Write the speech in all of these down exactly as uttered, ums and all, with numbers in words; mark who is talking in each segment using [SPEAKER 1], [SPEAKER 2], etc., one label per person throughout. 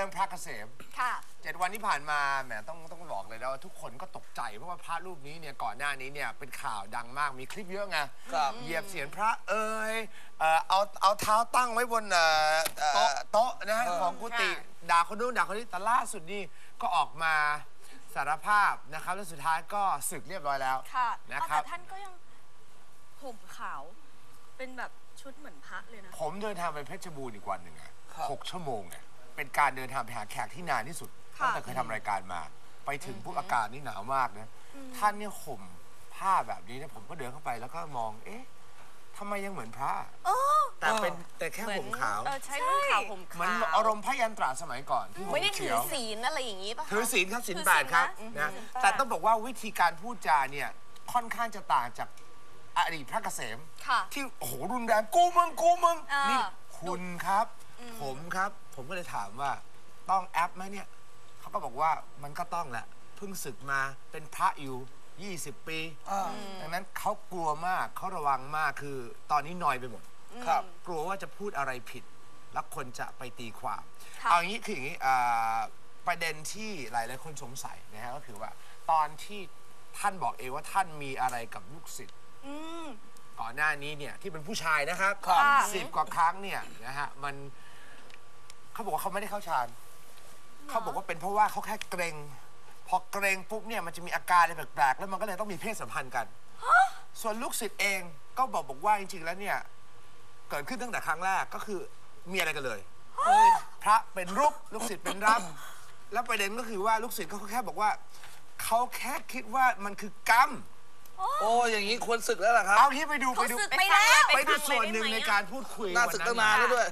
[SPEAKER 1] รื่องพระเกษม
[SPEAKER 2] ค่ะ
[SPEAKER 1] เจ็ดวันที่ผ่านมาแหมต้องต้องบอกเลยนะว่าทุกคนก็ตกใจเพราะว่าพระรูปนี้เนี่ยก่อนหน้านี้เนี่ยเป็นข่าวดังมากมีคลิปเยอะไงเหยียบเสียนพระเอ่ยเอาเอาเท้าตั้งไว้บนโต๊ะนะของกุฏิด่าคนนู้นด่าคนนี้แต่ล่าสุดนี่ก็ออกมาสารภาพนะครับแล้วสุดท้ายก็สึกเรียบร้อยแล้วนะครับ
[SPEAKER 2] แต่ท่านก็ยังห่มขาวเป็นแบบชุดเหมือนพระเลยนะ
[SPEAKER 1] ผมเดินทางไปเพชรบูรณ์อีกวันหนึ่งอะหกชั่วโมงเนี่ยเป็นการเดินทางไปหาแขกที่นานที่สุดตั้งแต่เคยทำรายการมาไปถึงปุ๊บอากาศนี่หนาวมากนะท่านเนี่ยห่มผ้าแบบนี้นะผมก็เดินเข้าไปแล้วก็มองเอ๊ะทำไมยังเหมือนพระแต่เป็นแต่แค่ห่มขาว
[SPEAKER 2] ใช่ห่มขาวห่มขาว
[SPEAKER 1] เหมือนอารมณ์พระยันตราสมัยก่อนที่
[SPEAKER 3] ไม่ได้ถือศีลอะไรอย่างนี้ป่ะ
[SPEAKER 1] ถือศีลครับศีลแปดครับนะแต่ต้องบอกว่าวิธีการพูดจาเนี่ยค่อนข้างจะต่างจากอดีตพระเกษมที่โอ้โหรุนแรงกูมึงกูมึงนี่คุณครับผมครับผมก็เลยถามว่าต้องแอปไหมเนี่ยเขาก็บอกว่ามันก็ต้องแหละเพิ่งศึกมาเป็นพระอยู่ยี่สิบปีดังนั้นเขากลัวมากเขาระวังมากคือตอนนี้นอยไปหมดครับกลัวว่าจะพูดอะไรผิดแล้วคนจะไปตีความเอาอย่างนี้คืออย่างนี้ประเด็นที่หลายหลายคนสงสัยนะฮะก็คือว่าตอนที่ท่านบอกเองว่าท่านมีอะไรกับลูกศิษย์ก่อนหน้านี้เนี่ยที่เป็นผู้ชายนะครับสิบกว่าครั้งเนี่ยนะฮะมันเขาบอกว่าเขาไม่ได้เข้าฌานเขาบอกว่าเป็นเพราะว่าเขาแค่เกรงพอเกรงปุ๊บเนี่ยมันจะมีอาการอะไรแปลกๆแล้วมันก็เลยต้องมีเพศสัมพันธ์กันส่วนลูกศิษย์เองก็บอกบอกว่าจริงๆแล้วเนี่ยเกิดขึ้นตั้งแต่ครั้งแรกก็คือมีอะไรกันเลยพระเป็นรูปลูกศิษย์เป็นรับแล้วประเด็นก็คือว่าลูกศิษย์เขาแค่บอกว่าเขาแค่คิดว่ามันคือกรรม
[SPEAKER 4] โอ้อย่างนี้ควรศึกแล้วล่ะครับ
[SPEAKER 1] เอาที่ไปดูไปดู
[SPEAKER 3] ไปแล้ว
[SPEAKER 1] ไปดูส่วนหนึ่งในการพูดคุย
[SPEAKER 4] น่าศึกตั้งนานแล้วด้วย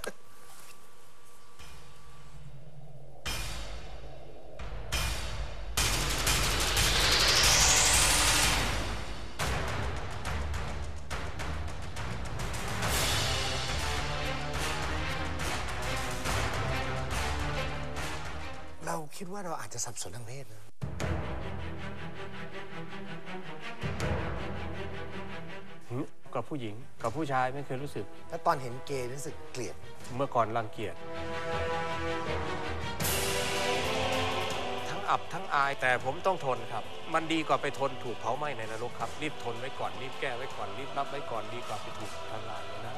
[SPEAKER 1] เราคิดว่าเราอาจจะสับสนทางเพศนะ
[SPEAKER 5] กับผู้หญิงกับผู้ชายไม่เคยรู้สึก
[SPEAKER 1] แล้วตอนเห็นเกย์รู้สึกเกลียด
[SPEAKER 5] เมื่อก่อนรังเกียจทั้งอับทั้งอายแต่ผมต้องทนครับมันดีกว่าไปทนถูกเผาไหม้ในนรกครับรีบทนไว้ก่อนรีบแก้ไว้ก่อนรีบรับไว้ก่อนดีกว่าไปถูกทำลายนะ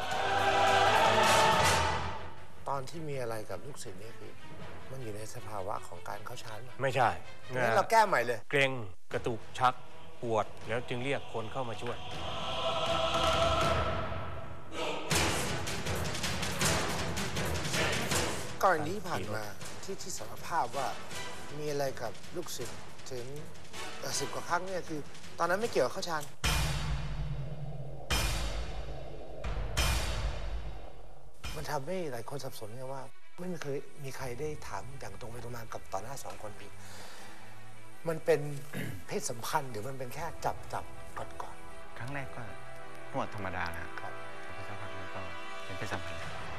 [SPEAKER 1] ตอนที่มีอะไรกับลูกศิษย์นี่คือมันอยู่ในสภาวะของการเข้าฌาน
[SPEAKER 5] ไม่ใช่
[SPEAKER 1] งั้นเราแก้ใหม่เลย
[SPEAKER 5] เกร็งกระตุกชักปวดแล้วจึงเรียกคนเข้ามาช่วย
[SPEAKER 1] กรณีผ่านมาที่ที่สารภาพว่ามีอะไรกับลูกศิษย์ถึงสิบกว่าครั้งเนี่ยคือตอนนั้นไม่เกี่ยวกับเข้าฌานมันทำให้หลายคนสับสนไงว่าไม่เคยมีใครได้ถามอย่างตรงไปตรงมากับต่อหน้าสองคนนี้มันเป็นเพศสัมพันธ์หรือมันเป็นแค่จับจับกอดกอด
[SPEAKER 6] ครั้งแรกก็นวดธรรมดานะครับแต่สักพักนั้นก็เป็นเพศสัมพันธ์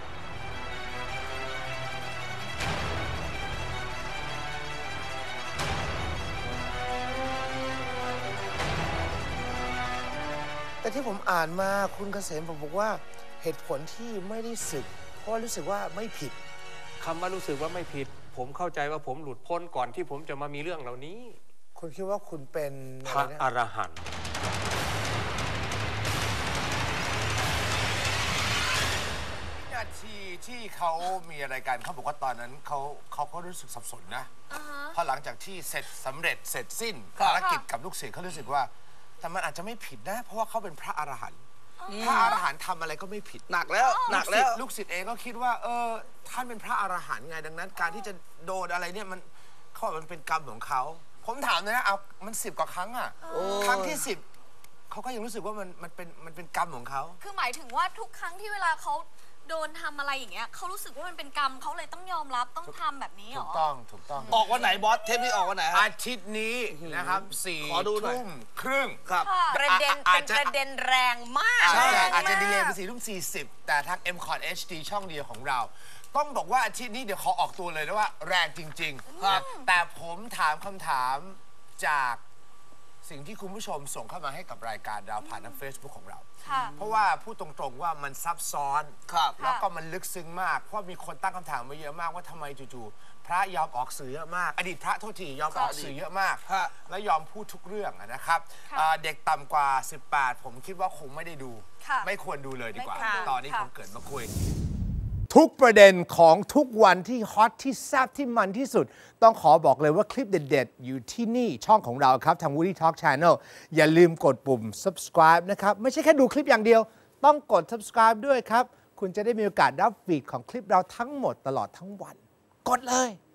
[SPEAKER 1] แต่ที่ผมอ่านมาคุณเกษมผมบอกว่าเหตุผลที่ไม่ได้สึกเพราะรู้สึกว่าไม่ผิด
[SPEAKER 5] คำว่ารู้สึกว่าไม่ผิดผมเข้าใจว่าผมหลุดพ้นก่อนที่ผมจะมามีเรื่องเหล่านี้
[SPEAKER 1] คุณคิดว่าคุณเป็น
[SPEAKER 5] พระอรหันต์
[SPEAKER 1] นาทีที่เขามีอะไรกันเขาบอกว่าตอนนั้นเขาเขาก็รู้สึกสับสนนะพอหลังจากที่เสร็จสำเร็จเสร็จสิ้นภารกิจกับลูกศิษย์เขารู้สึกว่าแต่มันอาจจะไม่ผิดนะเพราะว่าเขาเป็นพระอรหันต์พระอรหันต์ทำอะไรก็ไม่ผิด
[SPEAKER 4] หนักแล้วหนักแล้ว
[SPEAKER 1] ลูกศิษย์เองก็คิดว่าเออท่านเป็นพระอรหันต์ไงดังนั้นการที่จะโดนอะไรเนี่ยมันเขาบอกมันเป็นกรรมของเขาผมถามเลยนะเอามันสิบกว่าครั้งอ่ะครั้งที่สิบเขาก็ยังรู้สึกว่ามันมันเป็นมันเป็นกรรมของเขา
[SPEAKER 2] คือหมายถึงว่าทุกครั้งที่เวลาเขาโดนทำอะไรอย่างเงี้ยเขารู้สึกว่ามันเป็นกรรมเขาเลยต้องยอมรับต้องทำแบบนี้หรอ
[SPEAKER 1] ถูกต้องถูกต้อง
[SPEAKER 4] ออกวันไหนบอสเทปนี้ออกวันไหน
[SPEAKER 1] อาทิตย์นี้นะครับสี่ทุ่มครึ่ง
[SPEAKER 4] ครับ
[SPEAKER 3] ประเด็นเป็นประเด็นแรงมาก
[SPEAKER 1] ใช่อาจจะดีเลย์ไปสี่ทุ่มสี่สิบแต่ทาง เอ็ม คอร์ด เอช ดี ช่องเดียวของเราต้องบอกว่าอาทิตย์นี้เดี๋ยวขอออกตัวเลยนะว่าแรงจริงๆแต่ผมถามคำถามจากสิ่งที่คุณผู้ชมส่งเข้ามาให้กับรายการเราผ่านทาง Facebook ของเรา
[SPEAKER 2] ค่ะ
[SPEAKER 1] เพราะว่าพูดตรงๆว่ามันซับซ้อน
[SPEAKER 4] ครับ
[SPEAKER 1] แล้วก็มันลึกซึ้งมาก เพราะมีคนตั้งคำถามมาเยอะมากว่าทำไมจู่ๆพระยอมออกสื่อเยอะมาก อดีตพระโทษทียอมออกสื่อเยอะมาก
[SPEAKER 4] ฮะ
[SPEAKER 1] และยอมพูดทุกเรื่องอะนะครับ
[SPEAKER 2] ค่ะ
[SPEAKER 1] อ่าเด็กต่ำกว่า สิบแปด ผมคิดว่าคงไม่ได้ดู
[SPEAKER 2] ค่ะ
[SPEAKER 1] ไม่ควรดูเลยดีกว่า
[SPEAKER 2] ไม่ควรดู
[SPEAKER 1] ตอนนี้
[SPEAKER 2] ค่ะ
[SPEAKER 1] ผมเกิดมาคุย ทุกประเด็นของทุกวันที่ฮอตที่แซ่บที่มันที่สุด ต้องขอบอกเลยว่าคลิปเด็ดๆ อยู่ที่นี่ช่องของเราครับ ทาง Woody Talk Channel อย่าลืมกดปุ่ม subscribe นะครับ ไม่ใช่แค่ดูคลิปอย่างเดียว ต้องกด subscribe ด้วยครับ คุณจะได้มีโอกาสรับฟีดของคลิปเราทั้งหมดตลอดทั้งวัน กดเลย